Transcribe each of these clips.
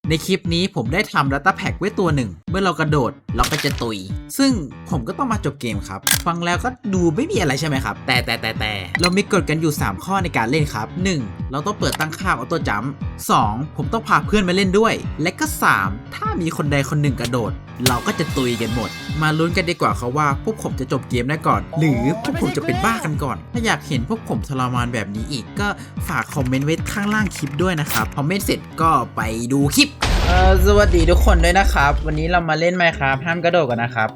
ในคลิปนี้ผมได้ทำ Data Pack ไว้ตัวหนึ่งเมื่อเรากระโดดเราก็จะตุยซึ่งผมก็ต้องมาจบเกมครับฟังแล้วก็ดูไม่มีอะไรใช่ไหมครับแต่เรามีกฎกันอยู่3ข้อในการเล่นครับ 1. เราต้องเปิดตั้งค่าออโต้จัมป์ 2. ผมต้องพาเพื่อนมาเล่นด้วยและก็ 3. ถ้ามีคนใดคนหนึ่งกระโดดเราก็จะตุยกันหมดมาลุ้นกันดีกว่าครับว่าพวกผมจะจบเกมได้ก่อนหรือพวกผมจะเป็นบ้ากันก่อนถ้าอยากเห็นพวกผมทรมานแบบนี้อีกก็ฝากคอมเมนต์ไว้ข้างล่างคลิปด้วยนะครับคอมเมนต์เสร็จก็ไปดูคลิปสวัสดีทุกคนด้วยนะครับวันนี้เรามาเล่น Minecraft ห้ามกระโดดกันนะครับ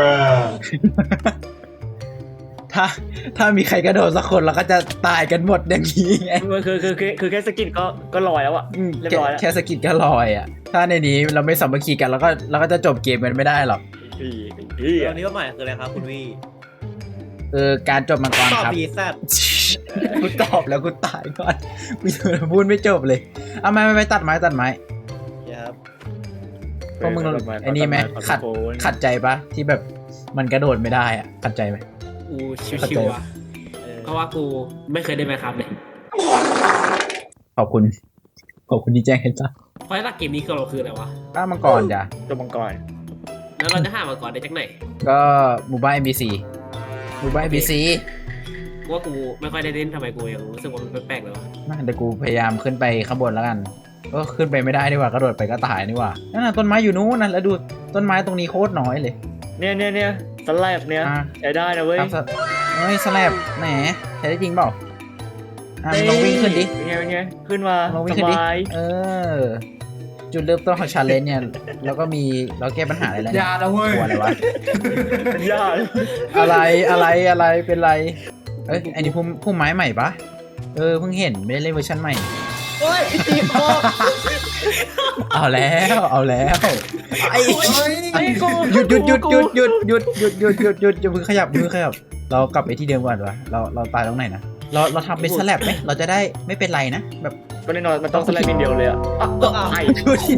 ถ้ามีใครกระโดดสักคนเราก็จะตายกันหมดอย่างนี้ไงคือแค่สกินก็ลอยแล้วอะเรียบร้อยแล้วแค่สกิดก็ลอยอ่ะถ้าในนี้เราไม่สามัคคีกันเราก็จะจบเกมกันไม่ได้หรอกตอนนี้ว่าหมายคืออะไรครับคุณวี่การจบมังกรตอบครับบีแซดกูตอบแล้วกูตายก่อนกูพูดไม่จบเลยเอาไม่ตัดไม้ครับพวกมึงไอ้นี่ไหมขัดใจปะที่แบบมันกระโดดไม่ได้อ่ะขัดใจไหมกูชิวๆอ่ะเพราะว่ากูไม่เคยได้ไหมครับเลยขอบคุณที่แจ้งให้จ้าเพราะหลักเกมนี้คือเราคืออะไรวะป้ามังกรจ้ะตัวมังกรแล้วเราจะหามาก่อนได้จากไหนก็หมู่บ้าน NPC หมู่บ้าน NPC ว่ากูไม่ค่อยได้เล่นทำไมกูยังรู้สึกว่ามันแปลกๆเลยวะเดี๋ยวกูพยายามขึ้นไปข้างบนแล้วกันก็ขึ้นไปไม่ได้ดีกว่ากระโดดไปก็ตายนี่หว่านั่นน่ะต้นไม้อยู่นู้นนะแล้วดูต้นไม้ตรงนี้โคตรน้อยเลยเนี่ยสไลด์เนี่ยใช้ได้นะเว้ยเฮ้ยสแลบแหมใช้ได้จริงเปล่าลองวิ่งขึ้นดิเป็นไงขึ้นมาลองวิ่งขึ้นดิจุดเริ่มต้นของชาเลนจ์เนี่ยแล้วก็มีเราแก้ปัญหาอะไรแล้วยาละเว้ยกลัวอะไรวะยาอะไรเป็นไรเอ้ยอันนี้พุ่มไม้ใหม่ปะเพิ่งเห็นไม่ได้เล่นเวอร์ชันใหม่โอ้ยตีคอเอาแล้วไอ้หยุดอย่าเพิ่งขยับเรากลับไปที่เดิมก่อนวะเราตายตรงไหนนะเราทำเป็นสแลบไหมเราจะได้ไม่เป็นไรนะแบบก็แน่นอนมันต้องสไลด์นิดเดียวเลยอะไอ้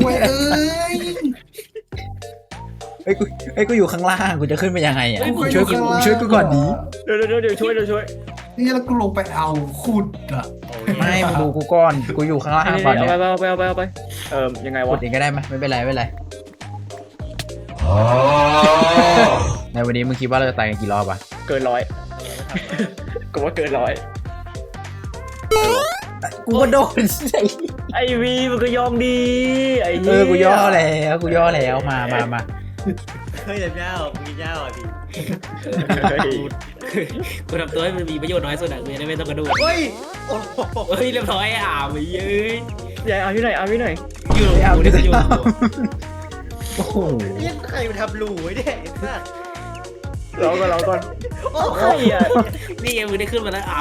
กูอยู่ข้างล่างกูจะขึ้นไปยังไงอ่ะช่วยกูก่อนดีเดี๋ยวช่วยนี่แล้วกูลงไปเอาขุดอ่ะไม่มาดูกูก่อนกูอยู่ข้างล่างก่อนเนี่ยเอาไปยังไงวะกดเองก็ได้ไหมไม่เป็นไรในวันนี้มึงคิดว่าเราจะตายกันกี่รอบอ่ะเกิน100กูว่าเกิน100 กูก็โดนไอวีมันก็ยอมดีไอ้กูย่อแล้วมาเฮ้ยแต่เจ้ามีเจ้าอ่ะพี่กูทำตัวให้มันมีประโยชน์น้อยสุดอะกูจะได้ไม่ต้องกระโดดเฮ้ยเรียบร้อยไปเย้ยใหญ่เอาที่ไหนอยู่กูได้ประโยชน์โอ้โหยังใครมาทำรูไว้เนี่ยเราก่อนโอ้ใครอ่ะนี่ไงมึงได้ขึ้นมาแล้ว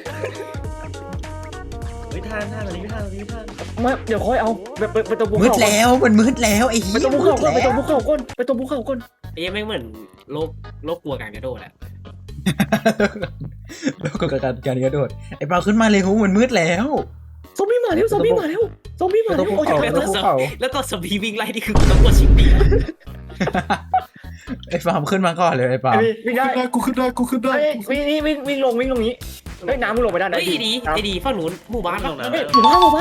ไม่ทันตอนนี้ไม่ทันไม่เดี๋ยวค่อยเอาแบบไปตรงภูเขามืดแล้วไอ้เหี้ยไปตรงภูเขาก่อนไปตรงภูเขาก่อนไอ้ยังไม่เหมือนโลกกลัวการกระโดดอะโลกการกระโดดไอ้เปาขึ้นมาเลยหูมันมืดแล้วซอมบี้มาแล้วโอ้ยแล้วก็ซอมบี้วิ่งไล่ที่คือต้องกดชิปปี้ไอ้ฟาร์มขึ้นมาก่อนเลยไอ้ปาล์มวิ่งได้กูขึ้นได้วิ่งลงนี้เฮ้ยน้ำมึงลงไปได้ไอ้ดีฝั่งนู้นหมู่บ้านเราหมู่บ้าน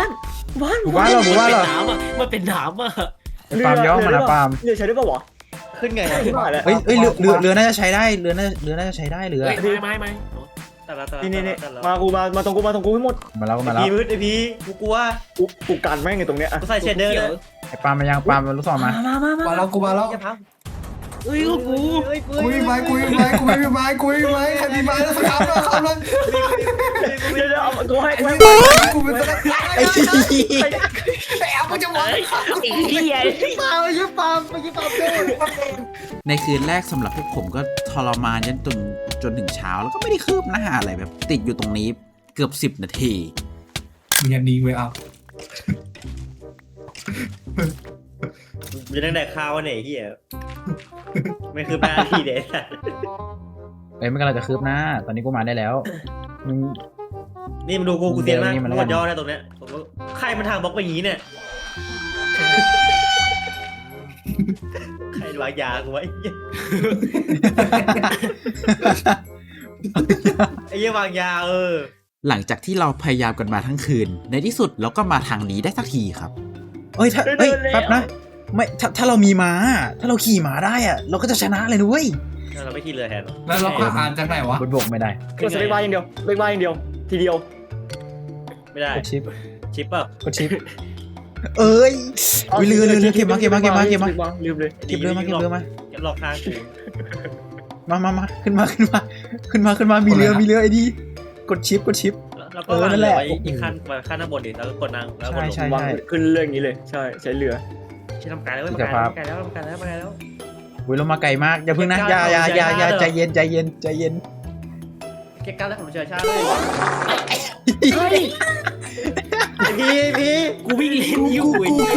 มันเป็นน้ำอะปาล์มย่อมานะปาล์มเรือใช้ได้ป่าวะขึ้นไงเฮ้ยเรือน่าจะใช้ได้เรือน่าจะใช้ได้เรือไม่นี่มาตรงกูให้หมดมาแล้วพี่มืดไอพี่กูกลัวกูกันแม่งไงตรงเนี้ยกูใส่เชดเดอร์เลยไอ้ปาล์มมายังปาล์มลูกศรมามาแล้วเฮ้ยกูมีไม้ใครมีไม้แล้วสักครั้งแล้วเดี๋ยวกูให้กูเป็นไอ้กูจะมองปาในคืนแรกสำหรับพวกผมก็ทรมานจนถึงเช้าแล้วก็ไม่ได้คืบหน้าอะไรแบบติดอยู่ตรงนี้เกือบ10 นาทีมึงยันดีไว้เอาจะนั่งแดกข้าวเนี่ยเฮียไม่คือแม่ที่เด็ดไม่กำลังจะคืบหน้าตอนนี้กูมาได้แล้วนี่มาดูกูเตียนมากหมดย่อได้ตรงเนี้ยใครมันทางบล็อกไปอย่างนี้เนี่ยใครวางยากูไว้ไอ้เหี้ยวางยาหลังจากที่เราพยายามกันมาทั้งคืนในที่สุดเราก็มาทางนี้ได้สักทีครับเอ้ยถ้าเอ้ยแป๊บนะไม่ถ้าเรามีม้าถ้าเราขี่ม้าได้อะเราก็จะชนะเลยนะเว้ยเราไม่ขี่เรือแทนแล้วเราอ่านจากไหนวะบนบกไม่ได้กดสเปคบาร์อย่างเดียวสเปคบาร์อย่างเดียวทีเดียวไม่ได้กดชิปชิปเปล่ากดชิปเอ้ยอุ๊ยเรือเก็บมาลืมเลยดีเก็บเรือมาหลอกทางกูมาขึ้นมามีเรือไอ้ดีกดชิปแล้วก็วางเรือไว้อีกขั้นด้านบนดิแล้วก็กดนั่งแล้วกดลงใช่วางขึ้นเรื่องนี้เลยใช่ใช้เรือใช้ทำการแล้วทำการแล้วอุ้ยเรามาไกลมากอย่าพึ่งนะอย่าใจเย็นเก็บการแล้วผมเชื่อชาติเลยเฮ้ยพี่กูวิ่งเล่นอยู่ไอ้เหี้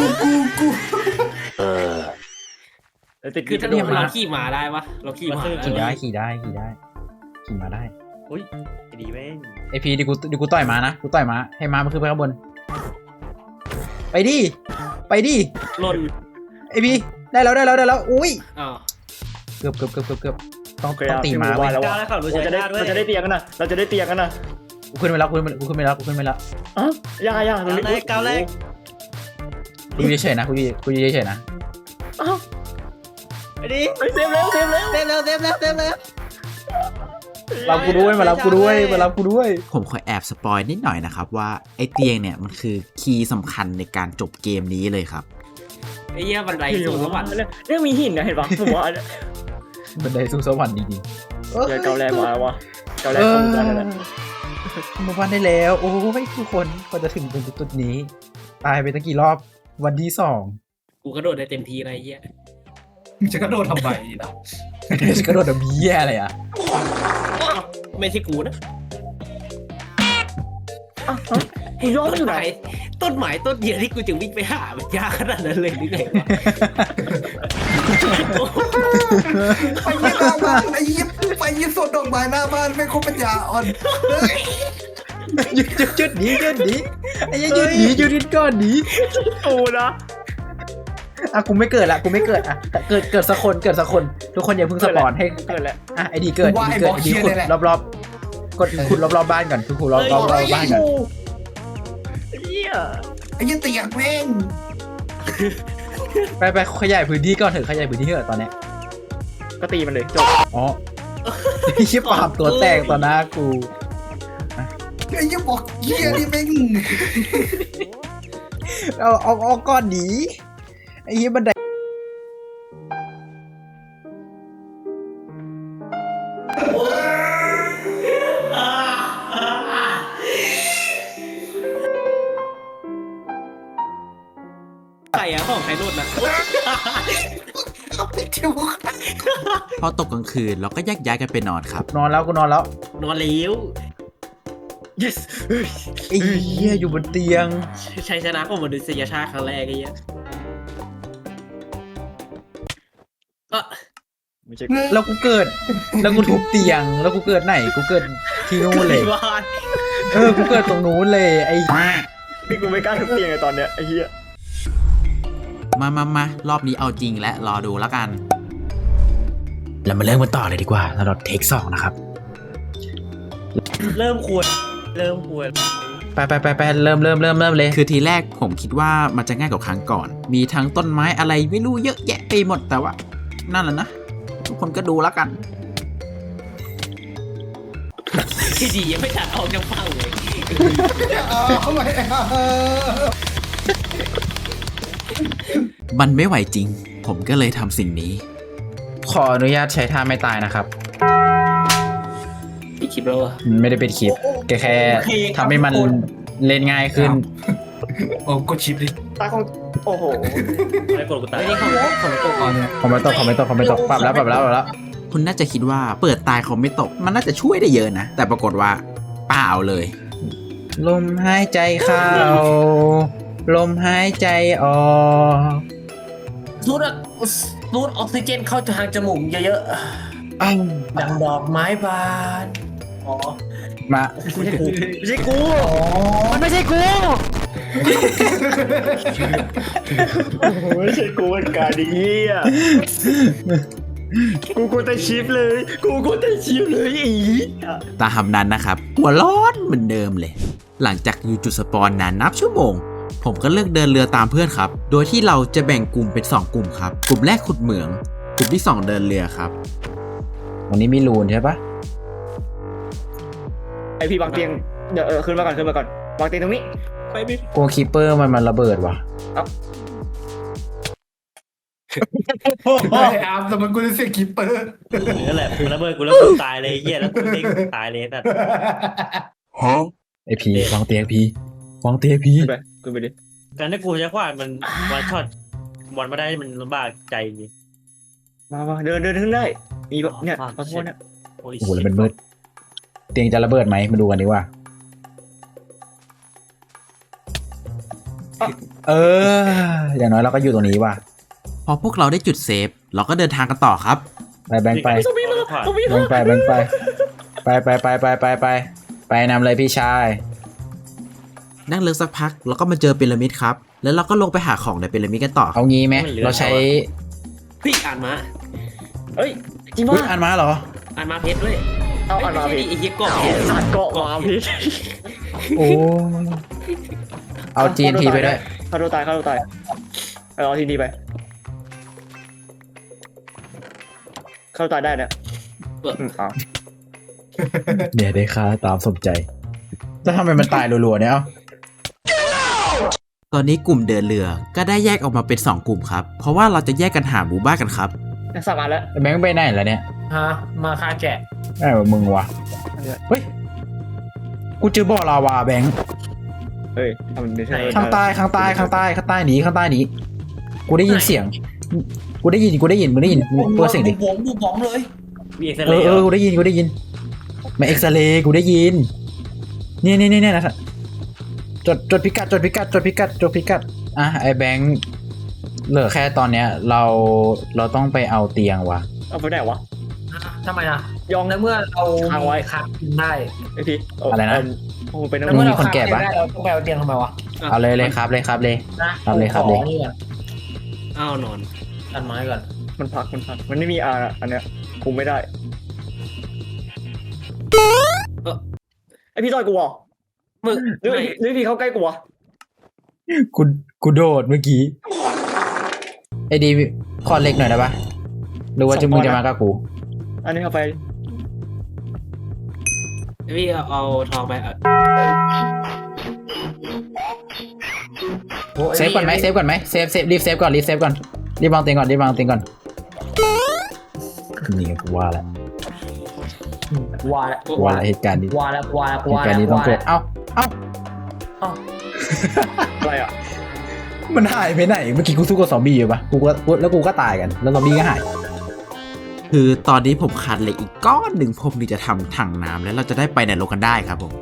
ยติดคือถ้าเราขี่ม้าได้ปะเราขี่ม้าขี่ได้ขี่มาได้อุ้ยดีแม่งไอพีดิกูต่อยม้านะกูต่อยม้าให้ม้ามันขึ้นไปข้างบนไปดิหล่นไอพีได้แล้วอุ้ยอ้าวเกือบต้องตีม้าไว้ไว้แล้วแล้วขับรถเราใช้จะได้ชาติด้วยเราจะได้เตียงกันนะเราจะได้เตียงกันนะกูขึ้นไปแล้วอ๋อย่าตรงนี้ก้าวแรกกูเฉยๆนะกูเฉยๆนะอ้าวไปดิเซฟแล้วเต็มแล้วรับกูด้วยมารับกูด้วยผมขอแอบสปอยนิดหน่อยนะครับว่าไอเตียงเนี่ยมันคือคีย์สำคัญในการจบเกมนี้เลยครับไอ้เหี้ยบันไดสูงสวรรค์เนี่ยมีหินนะเห็นปะผมว่าบันไดสู่สวรรค์จริงเดี๋ยวเกาแรงมาแล้ววะเกาแรงเข้ามาแล้วมาบ้านได้แล้วโอ้ยทุกคนก็จะถึงจุดนี้ตายไปตั้งกี่รอบวันที่2 กูกระโดดได้เต็มทีอะไรเหี้ยมึงจะกระโดดทำไมนะกระโดดแบบแย่เลยอ่ะไม่ใช่กูนะกูย้อนต้นอยู่ไหนไม้ต้นเดียวที่กูจึงวิ่งไปหามันยากขนาดนั้นเลยหรือไงวะไปยิบสวนดอกไม้หน้าบ้านไม่ครบปัญญาอ่อนจุดหนีไอ้ยัยยืดก้อนหนีกูนะอ่ะกูไม่เกิดอ่ะแต่เกิดสักคนทุกคนอย่าเพิ่งสปอนให้เกิดแล้วอ่ะไอ้ดีเกิดขุดรอบๆกดขุดรอบๆบ้านก่อนขุดรอบๆบ้านก่อนเหี้ยไอ้ยี่เตียงแม่งไปขยายพื้นที่ก่อนเถอะขยายพื้นที่เถอะตอนเนี้ยก็ตีมันเลยจบอ๋อชิบปามตัวแตกต่อหน้ากูไอ้ยี่บอกเยี่ยนี่แม่งเอาก้อนหนีไอ้เหี้ยบันไดใครอะของใครโดดนะพอตกกลางคืนเราก็แยกย้ายกันไปนอนครับนอนแล้วนอนแล้ว yes ไอ้เหี้ยอยู่บนเตียงชัยชนะของมนุษยชาติครั้งแรกไอ้เหี้ยก็ไม่ใช่แล้วกูเกิดแล้วกูทุบเตียงแล้วกูเกิดไหนกูเกิดที่นู่นเลยบ้านกูเกิดตรงนู้นเลยไอ้พี่กูไม่กล้าทุบเตียงเลยตอนเนี้ยไอ้เหี้ยมารอบนี้เอาจริงและรอดูแล้วกันเรามาเริ่มกันต่อเลยดีกว่าสำหรับเทค2นะครับเริ่มควรไปเริ่มเลยคือทีแรกผมคิดว่ามันจะง่ายกว่าครั้งก่อน มีทั้งต้นไม้อะไรไม่รู้เยอะแยะไปหมดแต่ว่านั่นแหละนะทุกคนก็ดูแล้วกันที่ดียังไม่ตัดออกจากฝั่งเลยทำไมมันไม่ไหวจริง ผมก็เลยทำสิ่งนี้ ขออนุญาตใช้ท่าไม่ตายนะครับพี่คลิปแล้วอะไม่ได้เป็นคลิปแค่ทำให้มันเล่นง่ายขึ้นโอ้กดชิปดิตาของโอ้โหไม่กดกูตายไม่ได้ของตัวก่อนผมไม่ตกปรับแล้วคุณน่าจะคิดว่าเปิดตายเขาไม่ตกมันน่าจะช่วยได้เยอะนะแต่ปรากฏว่าเปล่าเลยลมหายใจเข้าลมหายใจออกสูดออกซิเจนเข้าทางจมูกเยอะอ้าวๆดังดอกไม้บานอ๋อมาไม่ใช่กูมันไม่ใช่กูไม่ใช่กูเป็นการดีอ่ะกูแต่ชิปเลยอีตามนั้นนะครับหัวร้อนเหมือนเดิมเลยหลังจากอยู่จุดสปอนนานนับชั่วโมงผมก็เลือกเดินเรือตามเพื่อนครับ โดยที่เราจะแบ่งกลุ่มเป็น2กลุ่มครับกลุ่มแรกขุดเหมืองกลุ่มที่2เดินเรือครับวันนี้มีรูนใช่ปะไอพี่วางเตียงเดี๋ยวขึ้นมาก่อนวางเตียงตรงนี้ไปพี่กลัวคีเปอร์มันระเบิดว่ะไม่อาร์มแต่มันกูจะเสียคิปเปอร์นั่นแหละมึงระเบิดกูแล้วกูตายเลยเหี้ยแล้วกูเด้งตายเลยแต่ไอพีวางเตียงพีวางเตียงพีขึ้นไปดิการที่กูใช้ขวานมันวันช็อตบอลมาได้มันลำบากใจจริงมาเดินขึ้นได้มีแบบเนี่ยขอโทษนะโอ้โหแล้วมันมืดเตียงจะระเบิดไหมมาดูกันดีกว่าอย่างน้อยเราก็อยู่ตรงนี้ว่ะพอพวกเราได้จุดเซฟเราก็เดินทางกันต่อครับไปแบงค์ไปซอมบี้มาซอมบี้แบงค์ไปแบงค์ไปไปนำเลยพี่ชายนั่งเรือสักพักเราก็มาเจอพีระมิดครับแล้วเราก็ลงไปหาของในพีระมิดกันต่อครับเอางี้ไหมเราใช้พี่อ่านมาเฮ้ยจริงอุ๊ยป่ะอ่านมาเหรออ่านมาเพชรด้วยเอาอ่านมาไม่ใช่พี่ดิไอ้เหี้ยกบอ่านเกาะมาพี่โอ้เอา GNT ไปด้วยฆ่าตัวตายเอาทีนี้ไปฆ่าตัวตายได้เนี่ยเอาเดี๋ยวได้ค่าตามสมใจจะทำไมมันตายรัวๆเนี่ยเอ้าตอนนี้กลุ่มเดินเรือก็ได้แยกออกมาเป็น2กลุ่มครับเพราะว่าเราจะแยกกันหาหมู่บ้านกันครับสามารถแล้วแบงค์ไปไหนแล้วเนี่ยฮะมาฆ่าแกะไอ้วะมึงวะเฮ้ยกูเจอบ่อลาวาแบงค์เฮ้ยทำได้ใช่ไหมข้างใต้หนีกูได้ยินเสียงกูได้ยินมึงได้ยินมึงเปิดเสียงดิบุ๋มเลยมีเอ็กซ์เอเรย์อกูได้ยินมาเอ็กซเรย์กูได้ยินเนี่ยนะจดพิกัดอ่ะไอ้แบงค์เหลือแค่ตอนเนี้ยเราต้องไปเอาเตียงว่ะเอาไปไหนวะทำไมอ่ะยองในเมื่อเราค้างไว้คาบกินได้ไอพี่โอ้เป็นในน้ำเมื่อมีเราคนแก่คาบปะได้เราต้องไปเอาเตียงทำไมวะเอาเลยครับเลยนะครับเลยของนี่ก่อนอ้าวนอนตัดไม้ก่อนมันพักมันไม่มีอันเนี้ยคุมไม่ได้ไอพี่ต่อยกูเหรอมึงหรือพี่เข้าใกล้กูวะกูโดดเมื่อกี้ไอ้ดีขอเล็กหน่อยได้ปะหรือว่าจะมึงจะมากับกูอันนี้เข้าไปพี่เอาทองไปเซฟก่อนไหมเซฟรีบเซฟก่อนรีบวางเตียงก่อนนี่กูว่าแล้วว่าแล้วเหตุการณ์นี้ว่าแล้วเหตุการณ์นี้ต้องเกิดเอ้าอะไรอ่ะมันหายไปไหนเมื่อกี้กูสู้กับซอมบี้อยู่ปะกูก็ตายกันแล้วซอมบี้ก็หายคือตอนนี้ผมขาดเหล็กอีกก้อนหนึ่งผมถึงจะทำถังน้ำแล้วเราจะได้ไปในโลกกันได้ครับผม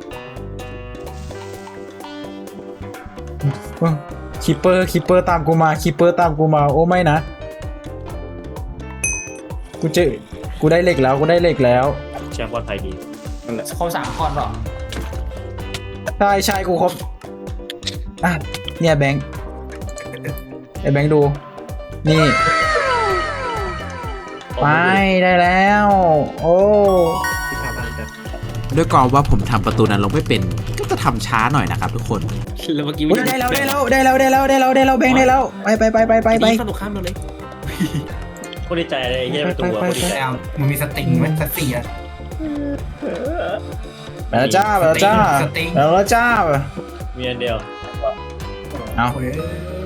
คิปเปอร์ตามกูมาโอ้ไม่นะกูได้เหล็กแล้วแชมป์ปลอดภัยดีเขา3คนหรอใช่กูครบอ่ะเนี่ยแบงค์ไอ้แบงค์ดูนี่ไปได้แล้วโอ้ที่ทำบ้านกันด้วยกองว่าผมทำประตูนั้นลงไม่เป็นก็จะทำช้าหน่อยนะครับทุกคนแล้วเมื่อกี้ได้แล้วแบงค์ได้แล้วไปสนุกข้ามมาเลยโคตรดีใจเลยเยี่ยมตัวโคตรดีใจแล้วมึงมีสติงไหมสติอ่ะไปแล้วจ้าสติงมีอันเดียวเอาเฮ้ย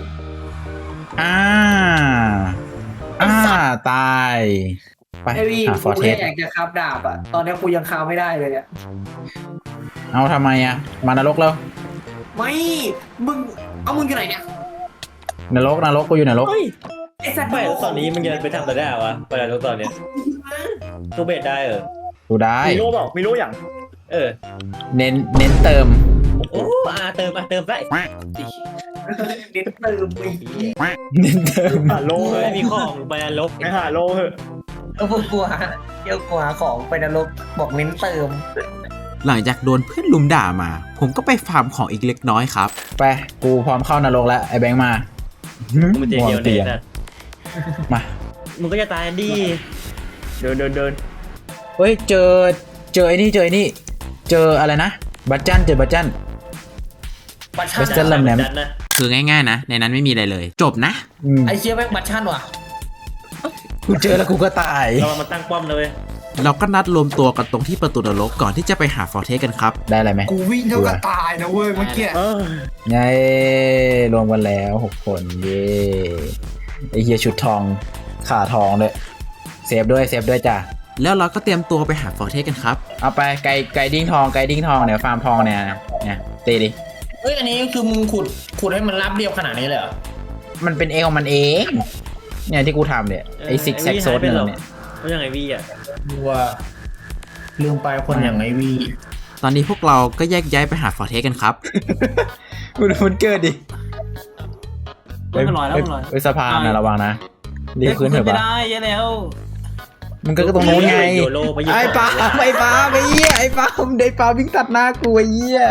ตายไปไอ้พี่หาฟกูอร์เทแค่สอยากจะคาบดาบอ่ะตอนนี้กูยังคาบไม่ได้เลยอ่ะเอาทำไมอ่ะมานรกแล้วไม่มึงอยู่ไหนเนี่ยนรกกูอยู่นรกไอ้สัตว์ไม่แล้วตอนนี้มึงจะไปทำอะไรได้วะไปแล้วตอนเนี้ยตู้เบสได้เหรอกูได้มีโล่เปล่ามีโล่อย่างเออเน้นเติมโอ้เติมได้เด็ดเติมไปเน้นเติมหาโล่ไม่มีของไปลกไม่หาโล่เหอะพวกกูหาของไปนรกบอกเน้นเติมหลังจากโดนเพื่อนลุมด่ามา ผมก็ไปฟาร์มของอีกเล็กน้อยครับไปกูพร้อมเข้านรกแล้วไอ้แบงค์มามึงเดียวเนี่ยนะมามึงก็จะตายดิเดินเฮ้ยเจอไอ้นี่เจออะไรนะบัตจันบัตรชาเวสเทิร์นดัแลมนนะคือง่ายๆนะในนั้นไม่มีอะไรเลย จบนะไอเชี่ยแม่งบัตชั่นว่ะกูเจอแล้วกูก็ตายเรามาตั้งป้อมเลยเราก็นัดรวมตัวกันตรงที่ประตูนรกก่อนที่จะไปหาฟอร์เทสกันครับได้อะไรไหมกูวิ่งเท่ากับตายนะเว้ยเมื่อกี้ไงรวมกันแล้ว6 คนเย่ไอเฮียชุดทองขาทองด้วยเซฟด้วยจ้ะแล้วเราก็เตรียมตัวไปหาฟอร์เทสกันครับเอาไปไก่ดิ้งทองเนี่ยฟาร์มทองเนี่ยตีดิเฮ้ยอันนี้คือมึงขุดให้มันรับเรียบขนาดนี้เลยเหรอมันเป็นเองของมันเองเนี่ยที่กูทำเนี่ยไอซิกแซกโซดเนี่ยเขายังไงวี่อ่ะว่าลืมไปคนอย่างไอวีตอนนี้พวกเราก็แยกย้ายไปหาฟอร์เทสกันครับมันเกิดดิมันลอยแล้วมันลอยไปสะพานนะระวังนะรีบขึ้นเถอะไม่ปะได้ยังแล้วมันก็ตรงนู้นไงโยโลไปยิงไอ้ปาไอ้ปาวิ่งตัดหน้ากูไอ้เหี้ย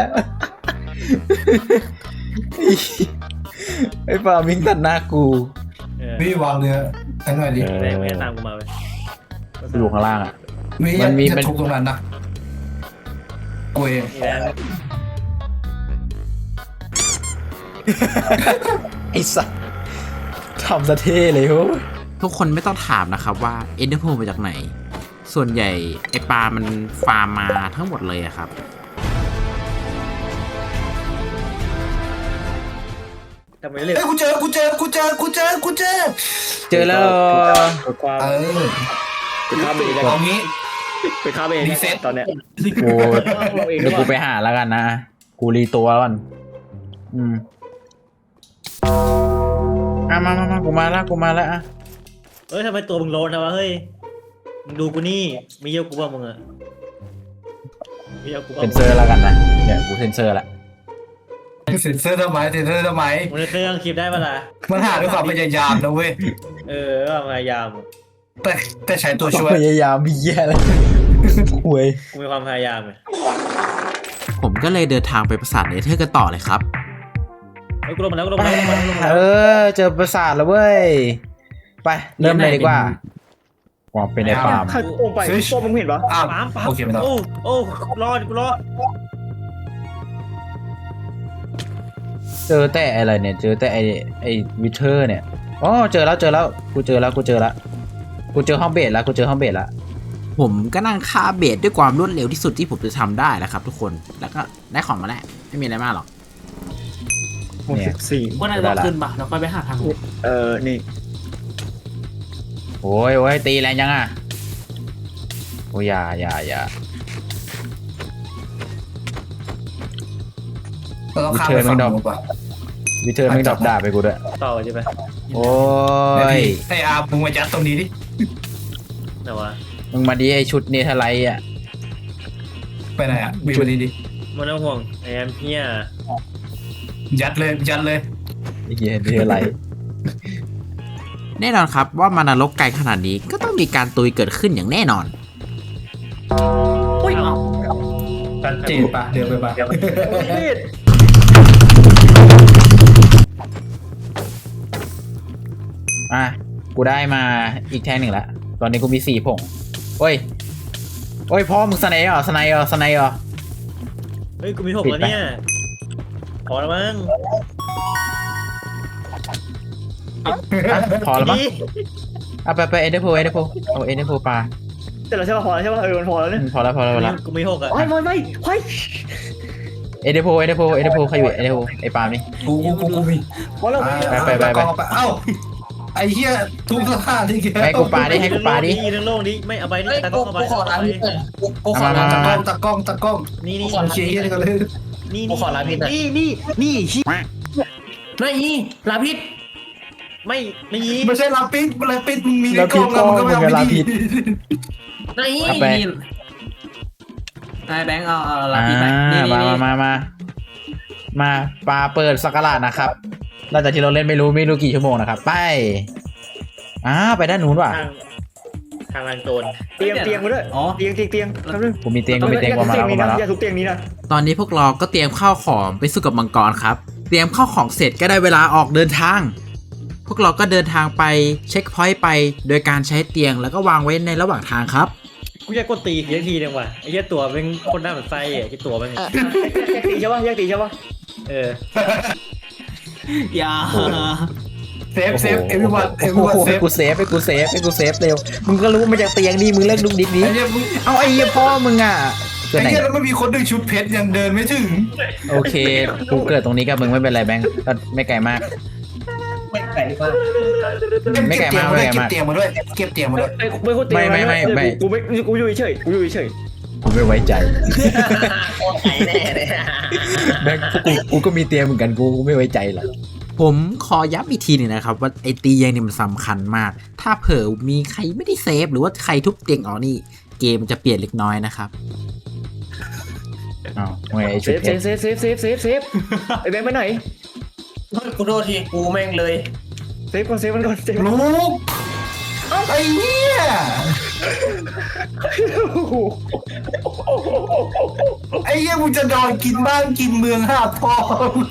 ไอ้ปาวิ่งตัดหน้ากูพี่วางเรือให้หน่อยดิแรงไม่ตามกูมาเลยอยู่ข้างล่างอ่ะมีมันมีจะทุบตรงนั้นนะกูเองแรงไอ้สัสทำซะเท่เลยโว้ยทุกคนไม่ต้องถามนะครับว่าเอ็นเดอร์โพมาจากไหน ส่วนใหญ่ไอปลามันฟาร์มมาทั้งหมดเลยอะครับทำไมเร็วเอ้ยกูเจอเจอแล้วความเออเป็นข้าวเองเอางี้เป็นข้าวเองรีเซ็ตตอนเนี้ยกูเดี๋ยวกูไปหาแล้วกันนะกูรีตัวก่อนมากูมาแล้วอ่ะเฮ้ยทำไมตัวมึงโลนนะวะเฮ้ยมึงดูกูนี่มีเยอะกูบ้างมึงอะมีเยอะกูบ้างเซ็นเซอร์แล้วกันนะเนี่ยกูเซ็นเซอร์ละเซ็นเซอร์ทำไมมึงในเครื่องคลิปได้ปะล่ะมันหาด้วยความพยายามนะเว้ยก็พยายามแต่ใช้ตัวช่วยพยายามพี่แย่แล้วหวยกูมีความพยายามไงผมก็เลยเดินทางไปปราสาทเนเธอร์กันต่อเลยครับเฮ้ยกูลงมาแล้วกูลงมาแล้วกูลงมาแล้วเจอปราสาทแล้วเว้ยไปเริ่มเลยดีกว่าว่าเป็นไอ้ปาล์มใครโป่งไปโป่งมึงเห็นปะอ้าวปั๊มโอเคไม่ต้องโอ้รอดกูรอดเจอแต่อะไรเนี่ยเจอแต่ไอ้วิเทอร์เนี่ยอ๋อเจอแล้วกูเจอห้องเบสแล้วผมก็นั่งฆ่าเบสด้วยความรวดเร็วที่สุดที่ผมจะทำได้แล้วครับทุกคนแล้วก็ได้ของมาแล้วไม่มีอะไรมากหรอกเนี่ยว่าน่าจะขึ้นปะแล้วค่อยไปหาทางนี่โอ้ยตีแรงยังอ่ะโอ้ยอย่าเราต้องข้ามไปฝั่งนู้นป่ะวิเทอร์ไม่งดรอปด่าไปกูด้วยต่อใช่ไหมโอ้ยไอ้อามึงมายัดตรงนี้ดิไหนวะมึงมาดีไอชุดเนเธอร์ไลท์อ่ะไปไหนอ่ะบีบมาดีดิมันต้องห่วงไอ้แอมเพียยัดเลยไอ้เหี้ยเนเธอร์ไลท์แน่นอนครับว่ามานรกไกลขนาดนี้ก็ต้องมีการตุยเกิดขึ้นอย่างแน่นอนอุ้ยชัดเจนป่ะเดี๋ยวไปป่ะอ่ะกูได้มาอีกแท่งหนึ่งละตอนนี้กูมี4 ผงโอ้ยพ่อมึงสไนเหรอเฮ้ยกูมี6แล้วเนี่ยพอแล้วมั้งพอแล้วมั้งเอาไปเอเดโพเอาเอเดโพปลาเสร็จแล้วใช่ปะพอแล้วใช่ปะมันพอแล้วเนี่ยพอแล้วกูมี6อ่ะไม่เฮ้ยเอเดโพใครอยู่เอเดโพไอปาล์มนี่กูมีพอแล้วไปเอ้าไอ้เหี้ยทุกสถานที่แกให้กูปาดิให้กูปาดิเรื่องโลกนี้ไม่เอาไปนี่เฮ้ยตะกล้องเอาไปกูขอลาพิษหน่อยกูขอมาลามาตะกล้องนี่กูขอลาเชียร์เหี้ยนี่ก็เลยนี่กูขอลาพิษหน่อยนี่ลาพิษไม่มีไม่ใช่ลาปิดมึงมีในกล้องแล้วมึงก็ไม่เอาไปดีนี่เอาไปนายแบงค์เอาลาพีไปนี่มาปลาเปิดสักราชนะครับหลังจากที่เราเล่นไม่รู้กี่ชั่วโมงนะครับไปไปด้านนู้นว่ะทางลานโจรเตียงมาด้วยอ๋อเตียงทำด้วยกูมีเตียงประมาณแล้วอย่าทุบเตียงนี้นะตอนนี้พวกเราก็เตรียมข้าวของไปสู้กับมังกรครับเตรียมข้าวของเสร็จก็ได้เวลาออกเดินทาง พวกเราก็เดินทางไปเช็คพอยต์ไปโดยการใช้เตียงแล้วก็วางไว้ในระหว่างทางครับกูอยากกดตีทีนึงว่ะไอ้เหี้ยตัวเป็นคนหน้าเหมือนไส้ไอ้ตัวมันแยกตีใช่ปะเอออย่าเซฟเซฟเอวิวันเอวิโอ้วันโหเซให้ฟกูเซฟให้กูเซฟให้กูเซฟเร็วมึงก็รู้มาจากเตียงดิมึงเลิกดุกดิกนี้ไอ้เนี่ยมึงเอาไอ้เหี้ยพ่อมึงอ่ะเกิดไอ้ไหนเนี่ยแล้วมันมีคนดึงชุดเพชรยังเดินไม่ถึงโอเคกูเกิดตรงนี้กับมึงไม่เป็นไรแบงค์ก็ไม่ไกลมากไม่ไก่มากไม่ไกลมากไม่ไกลมากเก็บเตียงมาด้วยเก็บเตียงมาด้วยไอ้ไม่คนตีไม่กูอยู่เฉยกูอยู่เฉยกูไม่ไว้ใจโอ้ไก่แน่เลยแบงค์กูก็มีเตียงเหมือนกันกูไม่ไว้ใจหรอกผมขอย้ำอีกทีหนึงนะครับว่าไอเตียงเนี่ยมันสำคัญมาก ถ้าเผลอมีใครไม่ได้เซฟหรือว่าใครทุบเตียงออกนี่เกมมันจะเปลี่ยนเล็กน้อยนะครับอ้าวไงไอ้เซชุดฟเพเซชฟรเซฟเซฟเซฟเซฟไอ้แบงค์ไปไหนกูโทษทีกูแม่งเลยเซฟก่อนเซฟมันก่อนเซฟลูกไอ้เนี่ย ไอ้เหี้ยมึงจะนอนกินบ้านกินเมืองหาพ่อ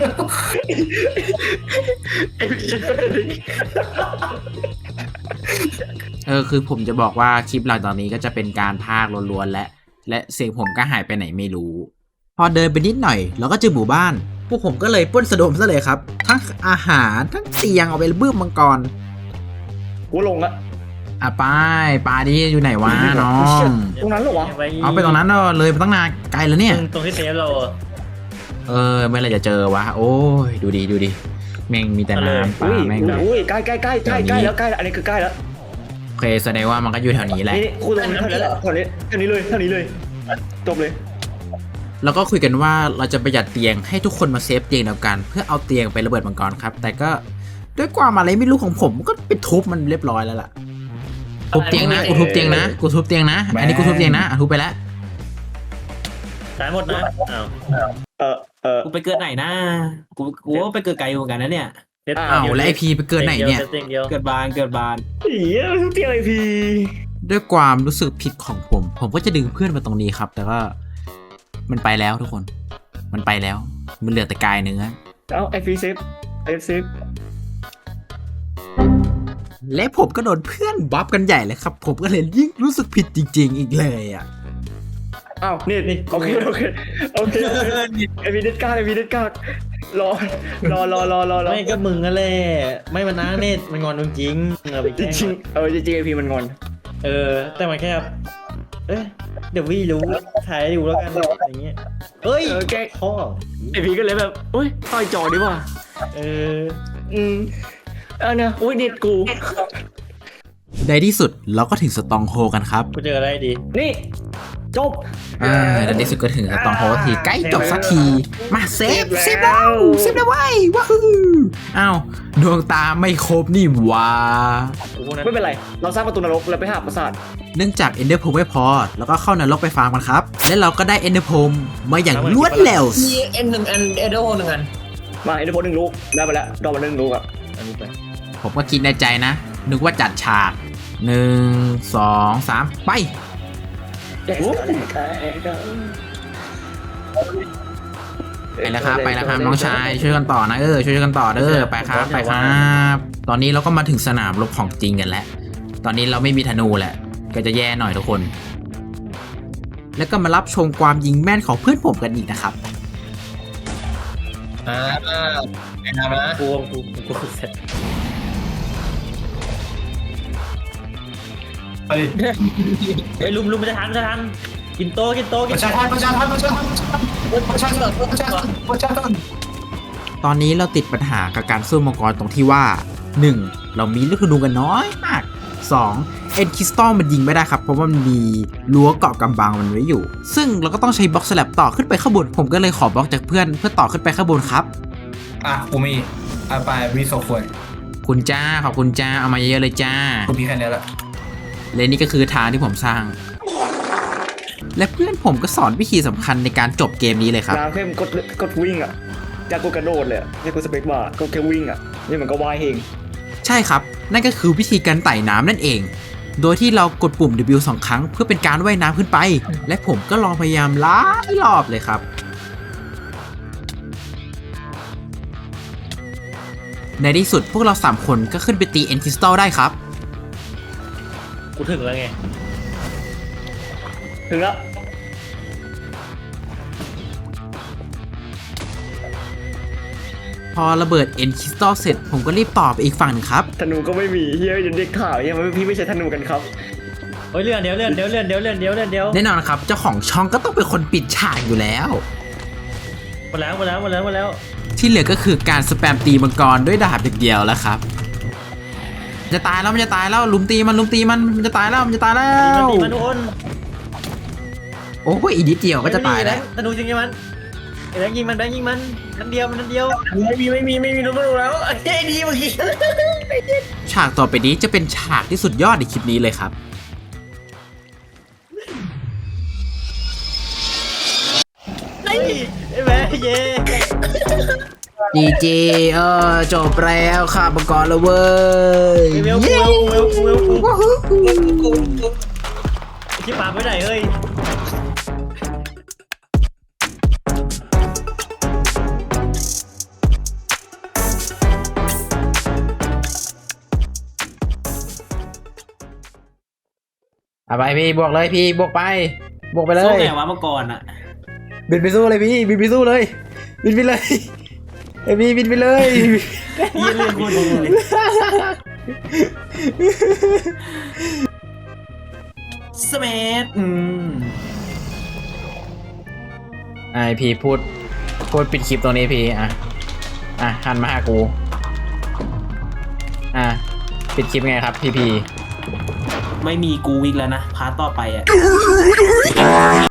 คือผมจะบอกว่าคลิปหลังจากนี้ก็จะเป็นการพากย์ล้วนๆและเสียงผมก็หายไปไหนไม่รู้ พอเดินไปนิดหน่อยเราก็เจอหมู่บ้าน พวกผมก็เลยปล้นสะดมซะเลยครับ ทั้งอาหารทั้งเตียงเอาไปบื้มมังกรกูลงละอ่ะปลาดิอยู่ไหนวะน้องตรงนั้นเหรอวะเอาไปตรงนั้นเนอะเลยไปตั้งนานไกลแล้วเนี่ยตรงที่เซฟเราอะเมื่อไหรจะเจอวะโอ้ยดูดิแม่งมีแต่น้ำปลาอุ้ยแม่งแบบอุ้ยใกล้แล้วใกล้แล้วอันนี้คือใกล้แล้วโอเคแสดงว่ามันก็อยู่แถวนี้แหละนี่กูตรงนี้เท่านี้แหละเท่านี้เลยจบเลยแล้วก็คุยกันว่าเราจะประหยัดเตียงให้ทุกคนมาเซฟเตียงเดียวกัน เพื่อเอาเตียงไประเบิดมังกรครับ แต่ก็ด้วยความอะไรไม่รู้ของผมก็ไปทุบมันเรียบร้อยแล้วล่ะทุบเตียงนะกูทุบเตียงนะอันนี้กูทุบเตียงนะทุบไปแล้วตายหมดนะอ้าวกูไปเกิดไหนนะกูว่าไปเกิดไกลอยู่เหมือนกันนะเนี่ยเซฟอ้าวแล้วไอพีไปเกิดไหนเนี่ยเซฟเตียงเดียวเกิดบานอีทุกเตียงไอพีด้วยความรู้สึกผิดของผมก็จะดึงเพื่อนมาตรงนี้ครับ แต่ว่ามันไปแล้วทุกคนมันไปแล้วมันเหลือแต่กายเนื้อเอาไอพีเซฟเซฟและผมก็โดนเพื่อนบัฟกันใหญ่เลยครับ ผมก็เลยยิ่งรู้สึกผิดจริงๆอีกเลยอ่ะอ้าวนี่โอเคไอพีเด็ดกล้ารอไม่ก็มึงนั่นแหละไม่มันนะเนตมันงอนมึงจริงเอาไปจแกล้งริงจริงไอพีมันงอนแต่มันแค่เดี๋ยววี่รู้ถ่ายให้ดูแล้วกันอย่างเงี้ยเฮ้ยแกพ่อไอพีก็เลยแบบโอ้ยต่อยจอดีกว่า เนี่ยอุ้ยเน็ตกูในที่สุดเราก็ถึงสตองโฮกันครับกูเจออะไรดีนี่จบในที่สุดก็ถึงสตองโฮทีใกล้จบสักทีมาเซฟแล้วเว้ยว้าวอ้าวดวงตาไม่ครบนี่หว่าไม่เป็นไรเราสร้างประตูนรกแล้วไปหาปราสาทเนื่องจากเอนเดอร์โพไม่พอ แล้วก็เข้านรกไปฟาร์มกันครับ และเราก็ได้เอนเดอร์โพมาอย่างรวดเร็วมีเอ็นหนึ่งอันเอเดอร์โฮหนึ่งอันมาเอ็นเดอร์โพ1 ลูกได้ไปแล้วดอกมา1 ลูกอ่ะอันนี้ไปผมก็คิดในใจนะ นึกว่าจัดฉาก 1 2 3 ไป ไปแล้วครับน้องชายช่วยกันต่อนะช่วยกันต่อเด้อไปครับตอนนี้เราก็มาถึงสนามรบของจริงกันแล้วตอนนี้เราไม่มีธนูแหละก็จะแย่หน่อยทุกคน แล้วก็มารับชมความยิงแม่นของเพื่อนผมกันอีกนะครับแนะนำนะกูเสร็จไปดิไอ้ลุมมันจะทันกินโตประชาชนตอนนี้เราติดปัญหากับการสู้มังกรตรงที่ว่า 1. เรามีลูกธนูกันน้อยมาก 2. เอ็นคริสตัลมันยิงไม่ได้ครับเพราะว่ามันมีรั้วเกาะกำบังมันไว้อยู่ ซึ่งเราก็ต้องใช้บล็อกสแลบต่อขึ้นไปข้างบนผมก็เลยขอบล็อกจากเพื่อนเพื่อต่อขึ้นไปข้างบนครับกูมีไปรีโซควรคุณจ้าขอบคุณจ้าเอามาเยอะๆเลยจ้ากูมีแค่นี้แหละและนี่ก็คือทางที่ผมสร้าง และเพื่อนผมก็สอนวิธีสำคัญในการจบเกมนี้เลยครับน้ำเข้มกดวิ่งอ่ะจากกูกระโดดเลยจากกูสเปกบาร์ก็แค่วิ่งอ่ะนี่มันก็ว่ายเองใช่ครับ นั่นก็คือวิธีการไต่น้ำนั่นเอง โดยที่เรากดปุ่ม W 2 ครั้งเพื่อเป็นการว่ายน้ำขึ้นไป และผมก็ลองพยายามหลายรอบเลยครับ ในที่สุดพวกเรา3คนก็ขึ้นไปตีเอ็นคริสตัลได้ครับกูถึงแล้วไงถึงแล้วพอระเบิดเอ็นคริสตัลเสร็จผมก็รีบต่อไปอีกฝั่งหนึงครับธนูก็ไม่มีเฮียเด็กข่าวเฮียมันพี่ไม่ใช่ธนูกันครับเฮ้ยเลื่อนเดี๋ยวแน่นอนครับเจ้าของช่องก็ต้องเป็นคนปิดฉากอยู่แล้วหมดแล้วที่เหลือก็คือการสแปมตีมังกรด้วยดาบอย่างเดียวแล้วครับจะตายแล้วมันจะตายแล้วลุมตีมันมันจะตายแล้วมันจะตายแล้วตีมันทุกคนโอ้ยอีกนิดเดียวก็จะตายแล้วธนูจริงมันไอ้แบงค์ยิงมันนัดเดียวไม่มีรู้ไม่รู้แล้วไอ้ดีเมื่อกี้ฉากต่อไปนี้จะเป็นฉากที่สุดยอดในคลิปนี้เลยครับไอ้แบงค์เย่ดีเจจบแล้วค่ะมังกรแล้วเว้ยเวลชิบปาไปไหนเฮ้ยไปพี่บวกเลยพี่บวกไปบวกไปเลสู้ยไงวะเมื่อก่อนอ่ะบินไปสู้เลยพี่บินไปสู้เลยบินไปเลยไอพี่บินไปเลยยี่เรื่องกูดูเลยสเมธไอพี่พูดปิดคลิปตรงนี้พี่หันมาหากูปิดคลิปไงครับพี่ไม่มีกูอีกแล้วนะพาร์ทต่อไปอ่ะ